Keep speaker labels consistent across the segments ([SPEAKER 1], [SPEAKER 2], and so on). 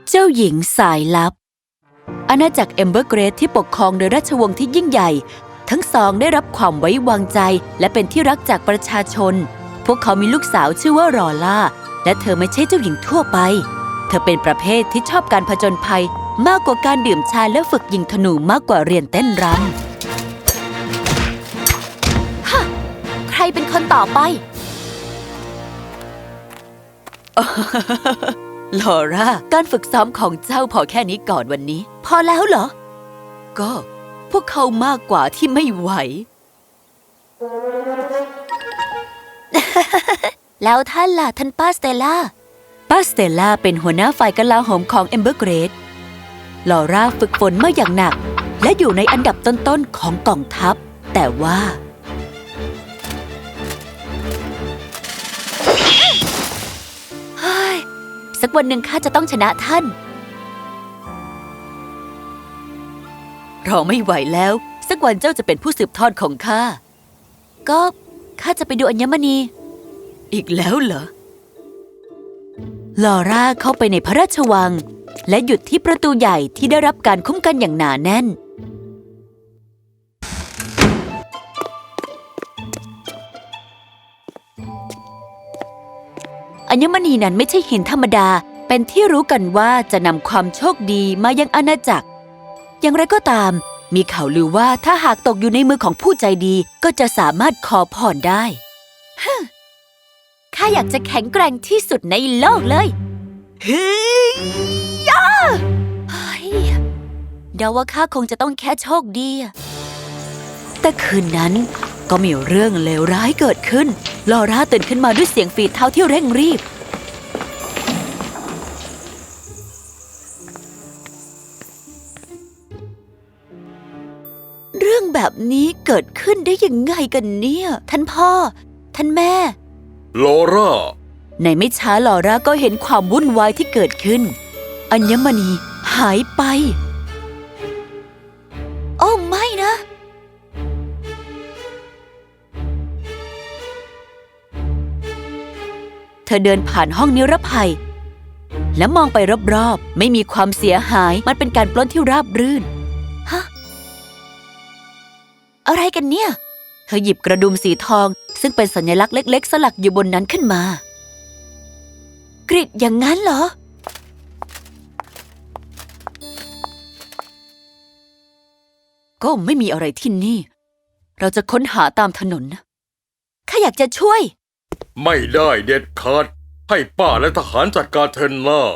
[SPEAKER 1] เจ้าหญิงสายลับอาณาจักรเอมเบอร์เกรดที่ปกครองโดยราชวงศ์ที่ยิ่งใหญ่ทั้งสองได้รับความไว้วางใจและเป็นที่รักจากประชาชนพวกเขามีลูกสาวชื่อว่ารอล่าและเธอไม่ใช่เจ้าหญิงทั่วไปเธอเป็นประเภทที่ชอบการผจญภัยมากกว่าการดื่มชาและฝึกยิงธนูมากกว่าเรียนเต้นรำฮะใครเป็นคนต่อไปลอร่าการฝึกซ้อมของเจ้าพอแค่นี้ก่อนวันนี้พอแล้วเหรอก็พวกเขามากกว่าที่ไม่ไหว แล้วท่านล่ะท่านป้าสเตลล่าเป็นหัวหน้าฝ่ายกลาโหมของเอมเบอร์เกรดลอร่าฝึกฝนมาอย่างหนักและอยู่ในอันดับต้นๆของกองทัพแต่ว่าสักวันหนึ่งข้าจะต้องชนะท่านรอไม่ไหวแล้วสักวันเจ้าจะเป็นผู้สืบทอดของข้าก็ข้าจะไปดูอัญมณีอีกแล้วเหรอลอร่าเข้าไปในพระราชวังและหยุดที่ประตูใหญ่ที่ได้รับการคุ้มกันอย่างหนาแน่นอัญมณีนั้นไม่ใช่หินธรรมดาเป็นที่รู้กันว่าจะนำความโชคดีมายังอาณาจักรอย่างไรก็ตามมีข่าวลือว่าถ้าหากตกอยู่ในมือของผู้ใจดีก็จะสามารถขอพรได้ข้าอยากจะแข็งแกร่งที่สุดในโลกเลยเฮ้ยเดาว่าข้าคงจะต้องแค่โชคดีแต่คืนนั้นก็มีเรื่องเลวร้ายเกิดขึ้นลอร่าตื่นขึ้นมาด้วยเสียงฝีเท้าที่เร่งรีบเรื่องแบบนี้เกิดขึ้นได้ยังไงกันเนี่ยท่านพ่อท่านแม่
[SPEAKER 2] ลอร่า
[SPEAKER 1] ในไม่ช้าลอร่าก็เห็นความวุ่นวายที่เกิดขึ้นอัญมณีหายไปโอ้ไม่นะเธอเดินผ่านห้องนิรภัยและมองไปรอบๆไม่มีความเสียหายมันเป็นการปล้นที่ราบรื่นฮะอะไรกันเนี่ยเธอหยิบกระดุมสีทองซึ่งเป็นสัญลักษณ์เล็กๆสลักอยู่บนนั้นขึ้นมากริดอย่างนั้นเหรอก็ไม่มีอะไรที่นี่เราจะค้นหาตามถนนนะข้าอยากจะช่วย
[SPEAKER 2] ไม่ได้เด็ดขาดให้ป้าและทหารจัดการเธอหน้า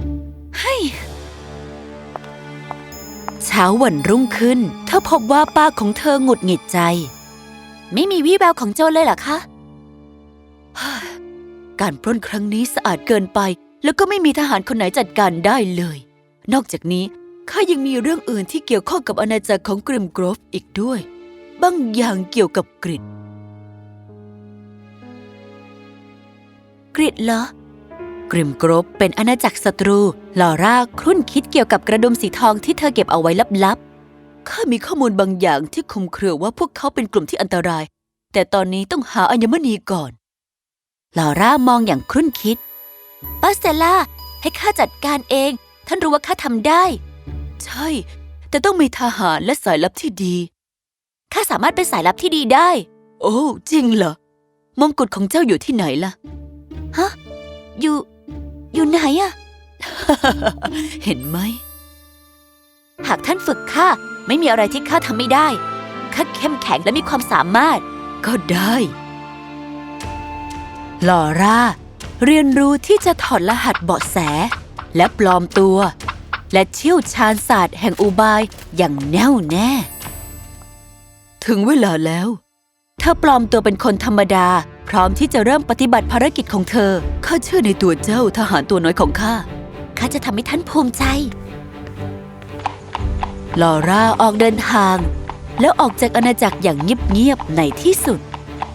[SPEAKER 1] เช้าวันรุ่งขึ้นเธอพบว่าป้าของเธอหงุดหงิดใจไม่มีวี่แววของโจรเลยเหรอคะการปล้นครั้งนี้สะอาดเกินไปแล้วก็ไม่มีทหารคนไหนจัดการได้เลยนอกจากนี้ข้ายังมีเรื่องอื่นที่เกี่ยวข้องกับอาณาจักรของกริมโกรฟอีกด้วยบางอย่างเกี่ยวกับกริดเหรอกริมโกรฟเป็นอาณาจักรศัตรูลอร่าครุ่นคิดเกี่ยวกับกระดุมสีทองที่เธอเก็บเอาไว้ลับๆข้ามีข้อมูลบางอย่างที่คลุมเครือว่าพวกเขาเป็นกลุ่มที่อันตรายแต่ตอนนี้ต้องหาอัญมณีก่อนลอร่ามองอย่างครุ่นคิดป้าสเตลล่าให้ข้าจัดการเองท่านรู้ว่าข้าทำได้ใช่แต่ต้องมีทหารและสายลับที่ดีข้าสามารถเป็นสายลับที่ดีได้โอ้จริงเหรอมงกุฎของเจ้าอยู่ที่ไหนล่ะฮะอยู่ไหนอะ เห็นไหมหากท่านฝึกข้าไม่มีอะไรที่ข้าทำไม่ได้ข้าเข้มแข็งและมีความสามารถก็ได้ลอร่าเรียนรู้ที่จะถอดรหัสเบาะแสและปลอมตัวและเชี่ยวชาญศาสตร์แห่งอุบายอย่างแน่วแน่ถึงเวลาแล้วเธอปลอมตัวเป็นคนธรรมดาพร้อมที่จะเริ่มปฏิบัติภารกิจของเธอข้าเชื่อในตัวเจ้าทหารตัวน้อยของข้าจะทำให้ท่านภูมิใจลอร่าออกเดินทางแล้วออกจากอาณาจักรอย่างเงียบๆในที่สุด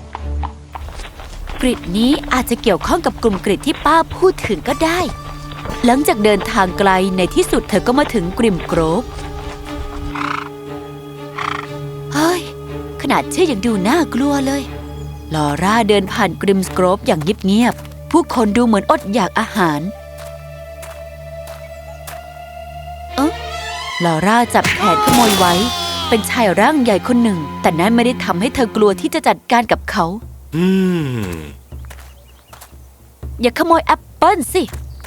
[SPEAKER 1] กริดนี้อาจจะเกี่ยวข้องกับกลุ่มกริดที่ป้าพูดถึงก็ได้หลังจากเดินทางไกลในที่สุดเธอก็มาถึงกริมโกรฟเฮ้ยขนาดชื่อยังดูน่ากลัวเลยลอร่าเดินผ่านกริมโกรฟอย่างเงียบๆผู้คนดูเหมือนอดอยากอาหารลอร่าจับแขนขโมยไว้ เป็นชายร่างใหญ่คนหนึ่ง แต่นั้นไม่ได้ทำให้เธอกลัวที่จะจัดการกับเขา
[SPEAKER 2] อืม
[SPEAKER 1] อย่าขโมยแอปเปิ้ลสิ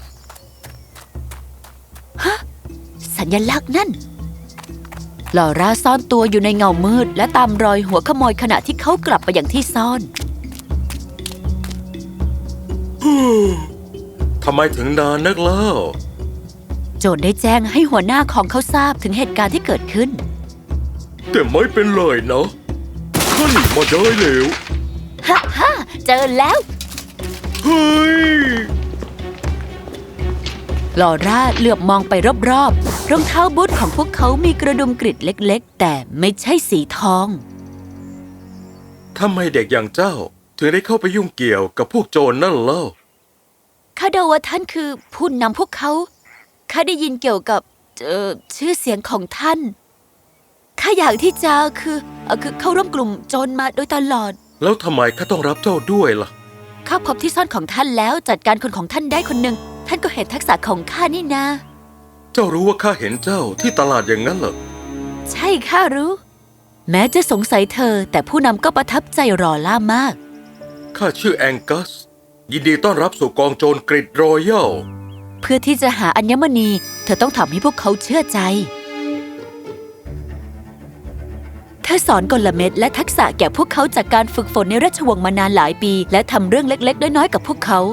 [SPEAKER 1] ฮะ สัญลักษณ์นั่น ลอร่าซ่อนตัวอยู่ในเงามืดและตามรอยหัวขโมยขณะที่เขากลับไปอย่างที่ซ่อน
[SPEAKER 2] ทำไมถึงนานนักเล่า
[SPEAKER 1] โจรได้แจ้งให้หัวหน้าของเขาทราบถึงเหตุการณ์ที่เกิดขึ้น
[SPEAKER 2] แต่ไม่เป็นไรนะข้าหนีมาได้แล้ว
[SPEAKER 1] ฮ่าฮ่าเจอแล้ว
[SPEAKER 2] เฮ้ย
[SPEAKER 1] ลอร่าเหลือบมองไปรอบๆ รองเท้าบูทของพวกเขามีกระดุมกริดเล็กๆ แต่ไม่ใช่สีทอง
[SPEAKER 2] ทำไมเด็กอย่างเจ้า ถึงได้เข้าไปยุ่งเกี่ยวกับพวกโจรนั่นเล่า
[SPEAKER 1] ข้าเดาว่าท่านคือผู้นำพวกเขา ข้าได้ยินเกี่ยวกับชื่อเสียงของท่าน ข้าอยากที่จะคือเข้าร่วมกลุ่มโจรมาโดยตลอด
[SPEAKER 2] แล้วทำไมข้าต้องรับเจ้าด้วยล่ะ
[SPEAKER 1] ข้าพบที่ซ่อนของท่านแล้วจัดการคนของท่านได้คนหนึ่ง ท่านก็เห็นทักษะของข้านี่นา
[SPEAKER 2] เจ้ารู้ว่าข้าเห็นเจ้าที่ตลาดอย่างนั้นเหรอ
[SPEAKER 1] ใช่ข้ารู้ แม้จะสงสัยเธอ แต่ผู้นำก็ประทับใจรอล่ามาก
[SPEAKER 2] ข้าชื่อแองกัส ยินดีต้อนรับสู่กองโจรกริดรอยัล
[SPEAKER 1] เพื่อที่จะหาอัญมณี เธอต้องทำให้พวกเขาเชื่อใจ เธอสอนกลเม็ดและทักษะแก่พวกเขาจากการฝึกฝนในราชวงศ์มานานหลายปี และทำเรื่องเล็กๆน้อยๆกับพวกเขา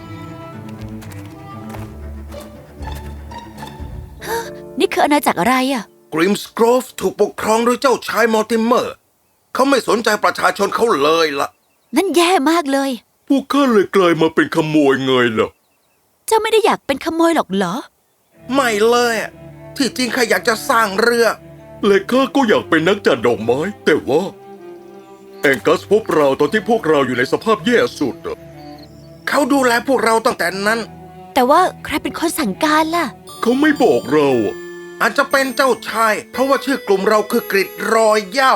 [SPEAKER 1] ฮะนี่คืออาณาจักรอะไรอ่ะ
[SPEAKER 3] กริมสโกรฟถูกปกครองโดยเจ้าชายมอร์ติเมอร์ เขาไม่สนใจประชาชนเขาเลยล่ะ
[SPEAKER 1] นั่นแย่มากเลย
[SPEAKER 2] พวกข้าเลยกลายมาเป็นขโมยไงล่ะ
[SPEAKER 1] เจ้าไม่ได้อยากเป็นขโมยหรอกเหรอ
[SPEAKER 3] ไม่เลยอะที่จริงข้าอยากจะสร้างเรือ
[SPEAKER 2] และข้าก็อยากเป็นนักจัดดอกไม้ แต่ว่าแองกัสพบเราตอนที่พวกเราอยู่ในสภาพแย่สุดอะ
[SPEAKER 3] เขาดูแลพวกเราตั้งแต่นั้น
[SPEAKER 1] แต่ว่าใครเป็นคนสั่งการล่ะ
[SPEAKER 2] เขาไม่บอกเราอะ
[SPEAKER 3] อาจจะเป็นเจ้าชาย เพราะว่าชื่อกลุ่มเราคือกริดรอยเย่า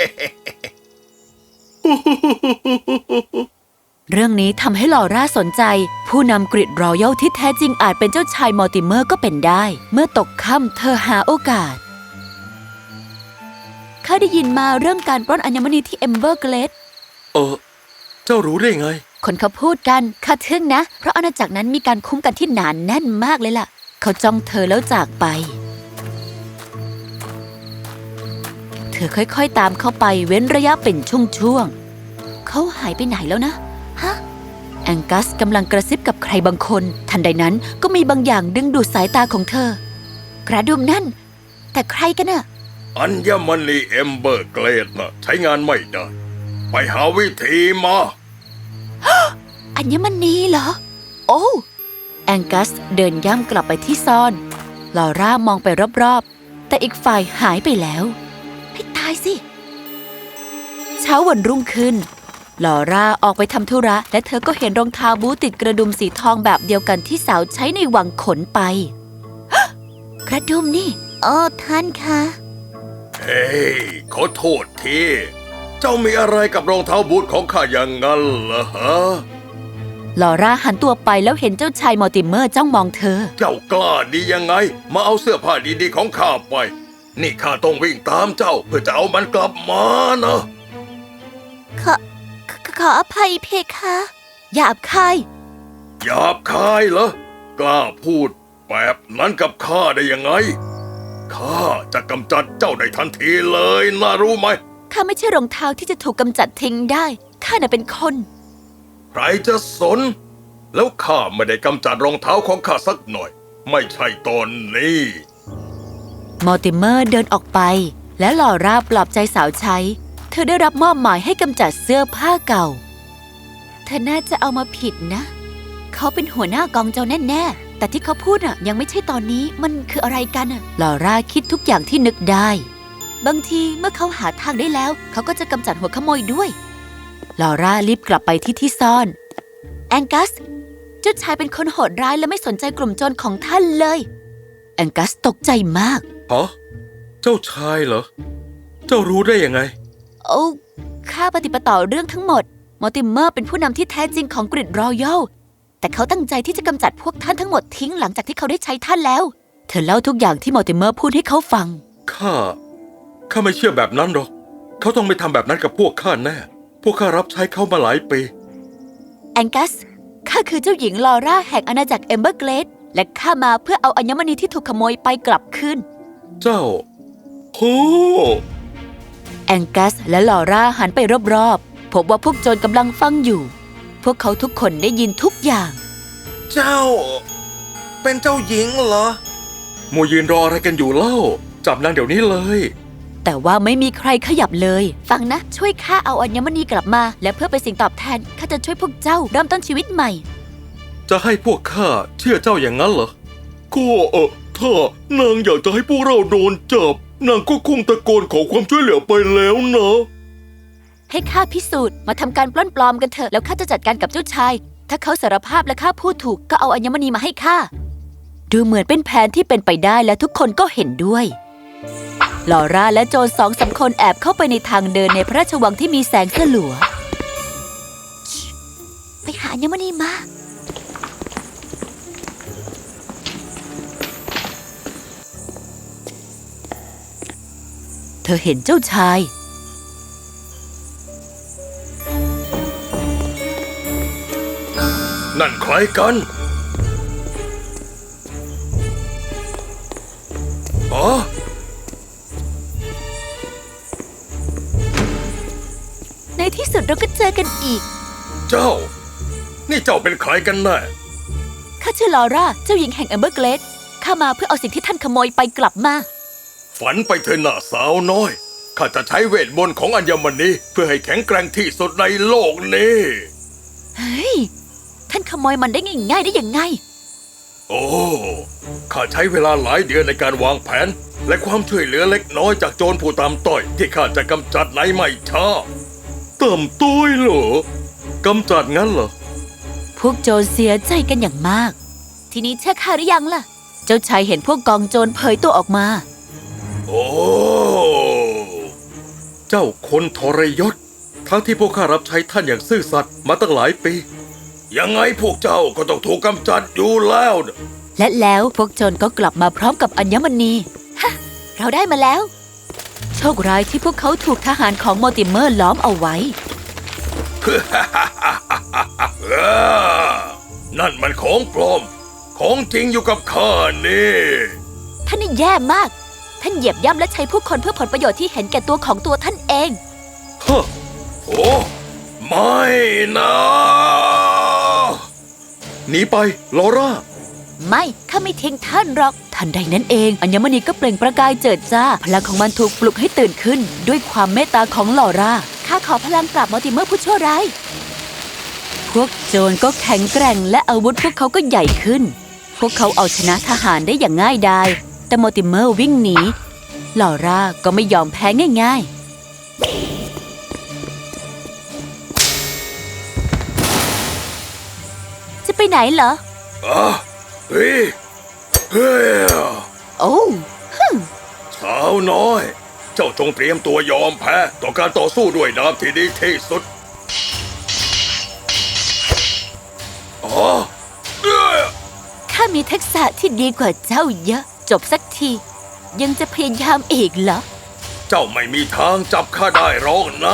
[SPEAKER 1] เรื่องนี้ทำให้ลอร่าสนใจ ผู้นำกริดรอยัลที่แท้จริงอาจเป็นเจ้าชายมอร์ติเมอร์ก็เป็นได้ เมื่อตกค่ำเธอหาโอกาสข้าได้ยินมาเรื่องการปล้นอัญมณีที่เอมเบอร์เกลด
[SPEAKER 2] เจ้ารู้ได้ไง
[SPEAKER 1] คนเขาพูดกันข้าทึ่งนะ เพราะอาณาจักรนั้นมีการคุ้มกันที่หนานแน่นมากเลยล่ะ เขาจ้องเธอแล้วจากไป เธอค่อยๆตามเข้าไปเว้นระยะเป็นช่วงๆเขาหายไปไหนแล้วนะฮะแองกัสกำลังกระซิบกับใครบางคน ทันใดนั้นก็มีบางอย่างดึงดูดสายตาของเธอกระดุมนั่น แต่ใครกันน่ะ
[SPEAKER 2] อัญมณีเอมเบอร์เกรดน่ะใช้งานไม่ได้ ไปหาวิธีมา
[SPEAKER 1] อัญมณีเหรอ โอ้แองกัสเดินย่ำกลับไปที่ซ่อนลอร่ามองไปรอบๆแต่อีกฝ่ายหายไปแล้วให้ตายสิ เช้าวันรุ่งขึ้นลอร่าออกไปทำธุระและเธอก็เห็นรองเท้าบูทติดกระดุมสีทองแบบเดียวกันที่สาวใช้ในวังขนไป กระดุมนี่ท่านคะ
[SPEAKER 2] เฮ้ยขอโทษที เจ้ามีอะไรกับรองเท้าบูทของข้าอย่างนั้นเหรอฮะ
[SPEAKER 1] ลอร่าหันตัวไปแล้วเห็นเจ้าชายมอร์ติเมอร์จ้องมองเธอ
[SPEAKER 2] เจ้ากล้าดียังไง มาเอาเสื้อผ้าดีๆของข้าไป นี่ข้าต้องวิ่งตามเจ้าเพื่อจะเอามันกลับมานะ
[SPEAKER 1] ขออภัยเพคะหยาบคาย
[SPEAKER 2] หยาบคายเหรอ กล้าพูดแบบนั้นกับข้าได้ยังไง ข้าจะกำจัดเจ้าได้ทันทีเลยนะรู้ไหม
[SPEAKER 1] ข้าไม่ใช่รองเท้าที่จะถูกกำจัดทิ้งได้ ข้าน่ะเป็นคน
[SPEAKER 2] ใครจะสน แล้วข้าไม่ได้กำจัดรองเท้าของข้าสักหน่อย ไม่ใช่ตอนนี้
[SPEAKER 1] มอร์ติเมอร์เดินออกไป และลอร่าปลอบใจสาวใช้ เธอได้รับมอบหมายให้กำจัดเสื้อผ้าเก่า เธอน่าจะเอามาผิดนะ เขาเป็นหัวหน้ากองโจรแน่ๆ แต่ที่เขาพูดน่ะยังไม่ใช่ตอนนี้มันคืออะไรกันน่ะลอร่าคิดทุกอย่างที่นึกได้ บางทีเมื่อเขาหาทางได้แล้ว เขาก็จะกำจัดหัวขโมยด้วยลอร่ารีบกลับไปที่ซ่อนแองกัสเจ้าชายเป็นคนโหดร้ายและไม่สนใจกลุ่มโจรของท่านเลยแองกัสตกใจมาก
[SPEAKER 2] ฮะ เจ้าชายเหรอ เจ้ารู้ได้ยังไง
[SPEAKER 1] โอ้ข้าปฏิปต่อเรื่องทั้งหมดมอร์ติเมอร์เป็นผู้นำที่แท้จริงของกริดรอยัลแต่เขาตั้งใจที่จะกำจัดพวกท่านทั้งหมดทิ้งหลังจากที่เขาได้ใช้ท่านแล้วเธอเล่าทุกอย่างที่มอร์ติเมอร์พูดให้เขาฟัง
[SPEAKER 3] ข้าไม่เชื่อแบบนั้นหรอกเขาต้องไม่ทำแบบนั้นกับพวกข้าแน่พวกข้ารับใช้เขามาหลายปี
[SPEAKER 1] แองกัส ข้าคือเจ้าหญิงลอร่าแห่งอาณาจักรเอมเบอร์เกรดและข้ามาเพื่อเอาอัญมณีที่ถูกขโมยไปกลับคืน
[SPEAKER 3] เจ้าโอ้
[SPEAKER 1] แองกัสและลอร่าหันไปรอบๆพบว่าพวกโจรกำลังฟังอยู่ พวกเขาทุกคนได้ยินทุกอย่าง
[SPEAKER 3] เจ้า เป็นเจ้าหญิงเหรอมัวยืนรออะไรกันอยู่เล่าจับนางเดี๋ยวนี้เลย
[SPEAKER 1] แต่ว่าไม่มีใครขยับเลย ฟังนะ ช่วยข้าเอาอัญมณีกลับมา และเพื่อเป็นสิ่งตอบแทนข้าจะช่วยพวกเจ้าเริ่มต้นชีวิตใหม่
[SPEAKER 3] จะให้พวกข้าเชื่อเจ้าอย่างนั้นเหรอก็ถ้านางอยากจะให้พวกเราโดนจับนางก็คงตะโกนขอความช่วยเหลือไปแล้วนะ
[SPEAKER 1] ให้ข้าพิสูจน์มาทำการปล้นปลอมกันเถอะแล้วข้าจะจัดการกับเจ้าชาย ถ้าเขาสารภาพและข้าพูดถูกก็เอาอัญมณีมาให้ข้าดูเหมือนเป็นแผนที่เป็นไปได้และทุกคนก็เห็นด้วยลอร่าและโจร2-3 คนแอบเข้าไปในทางเดินในพระราชวังที่มีแสงสลัวไปหาอัญมณีมาเธอเห็นเจ้าชาย
[SPEAKER 2] นั่นใครกันอ๋อ
[SPEAKER 1] ในที่สุดเราก็เจอกันอีก
[SPEAKER 2] เจ้า นี่เจ้าเป็นใครกันแน่
[SPEAKER 1] ข้าชื่อลอร่าเจ้าหญิงแห่งแอมเบอร์เกรดข้ามาเพื่อเอาสิ่งที่ท่านขโมยไปกลับมา
[SPEAKER 2] ฝันไปเถอะหน้าสาวน้อย ข้าจะใช้เวทมนต์ของอัญมณีเพื่อให้แข็งแกร่งที่สุดในโลกนี้
[SPEAKER 1] เฮ้ย ท่านขโมยมันได้ง่ายๆได้ยังไง
[SPEAKER 2] โอ้ ข้าใช้เวลาหลายเดือนในการวางแผน และความช่วยเหลือเล็กน้อยจากโจรผู้ตามต้อยที่ข้าจะกำจัดในไม่ช้า
[SPEAKER 3] ต่ำต้อยเหรอกำจัดงั้นเหรอ
[SPEAKER 1] พวกโจรเสียใจกันอย่างมาก ทีนี้เชื่อข้าหรือยังล่ะ เจ้าชายเห็นพวกกองโจรเผยตัวออกมา
[SPEAKER 2] โอ้
[SPEAKER 3] เจ้าคนทรยศทั้งที่พวกข้ารับใช้ท่านอย่างซื่อสัตย์มาตั้งหลายปี
[SPEAKER 2] ยังไงพวกเจ้าก็ต้องถูกกำจัดอยู่แล้วนะ
[SPEAKER 1] และแล้วพวกโจรก็กลับมาพร้อมกับอัญมณีฮะเราได้มาแล้ว โชคร้ายที่พวกเขาถูกทหารของมอร์ติเมอร์ล้อมเอาไว้
[SPEAKER 2] นั่นมันของปลอม ของจริงอยู่กับข้านี่
[SPEAKER 1] ท่านนี่แย่มาก ท่านเหยียบย่ำและใช้ผู้คนเพื่อผลประโยชน์ที่เห็นแก่ตัวของตัวท่านเอง
[SPEAKER 3] ฮะ
[SPEAKER 2] โอ้ ไม่นะ
[SPEAKER 3] หนีไปลอร่า
[SPEAKER 1] ไม่ข้าไม่ทิ้งท่านหรอกทันใดนั้นเองอัญมณีก็เปล่งประกายเจิดจ้าพลังของมันถูกปลุกให้ตื่นขึ้น ด้วยความเมตตาของลอร่าข้าขอพลังปราบมอร์ติเมอร์ผู้ชั่วร้ายพวกโจรก็แข็งแกร่งและอาวุธพวกเขาก็ใหญ่ขึ้น พวกเขาเอาชนะทหารได้อย่างง่ายดายแต่มอร์ติเมอร์วิ่งหนีลอร่าก็ไม่ยอมแพ้ง่ายๆจะไปไหนเหรอ
[SPEAKER 2] เฮ้ย เฮ้ย
[SPEAKER 1] โอ้
[SPEAKER 2] สาวน้อย เจ้าจงเตรียมตัวยอมแพ้ต่อการต่อสู้ด้วยดาบที่ดีที่สุด อ๋อ
[SPEAKER 1] ข้ามีทักษะที่ดีกว่าเจ้าเยอะ จบสักที ยังจะพยายามอีกเหรอ
[SPEAKER 2] เจ้าไม่มีทางจับข้าได้หรอกนะ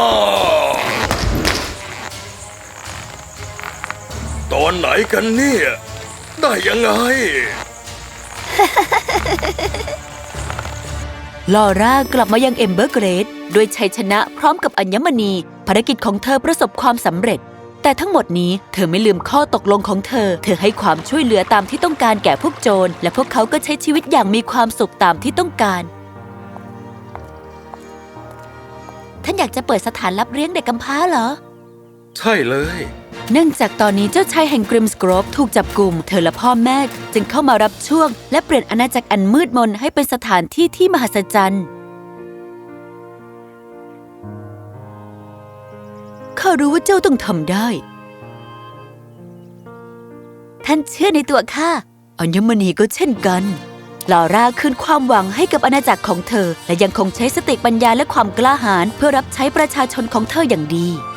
[SPEAKER 2] ตอนไหนกันเนี่ย ได้ยังไง
[SPEAKER 1] ลอร่ากลับมายังเอมเบอร์เกรดด้วยชัยชนะพร้อมกับอัญมณีภารกิจของเธอประสบความสำเร็จ แต่ทั้งหมดนี้เธอไม่ลืมข้อตกลงของเธอให้ความช่วยเหลือตามที่ต้องการแก่พวกโจรและพวกเขาก็ใช้ชีวิตอย่างมีความสุขตามที่ต้องการท่านอยากจะเปิดสถานรับเลี้ยงเด็กกำพร้าเหรอ
[SPEAKER 3] ใช่เลย
[SPEAKER 1] เนื่องจากตอนนี้เจ้าชายแห่งกริมสโกรฟถูกจับกุมเธอและพ่อแม่จึงเข้ามารับช่วงและเปลี่ยนอาณาจักรอันมืดมนให้เป็นสถานที่ที่มหัศจรรย์ข้ารู้ว่าเจ้าต้องทำได้ท่านเชื่อในตัวข้าอัญมณีก็เช่นกันลอร่าคืนความหวังให้กับอาณาจักรของเธอและยังคงใช้สติปัญญาและความกล้าหาญเพื่อรับใช้ประชาชนของเธออย่างดี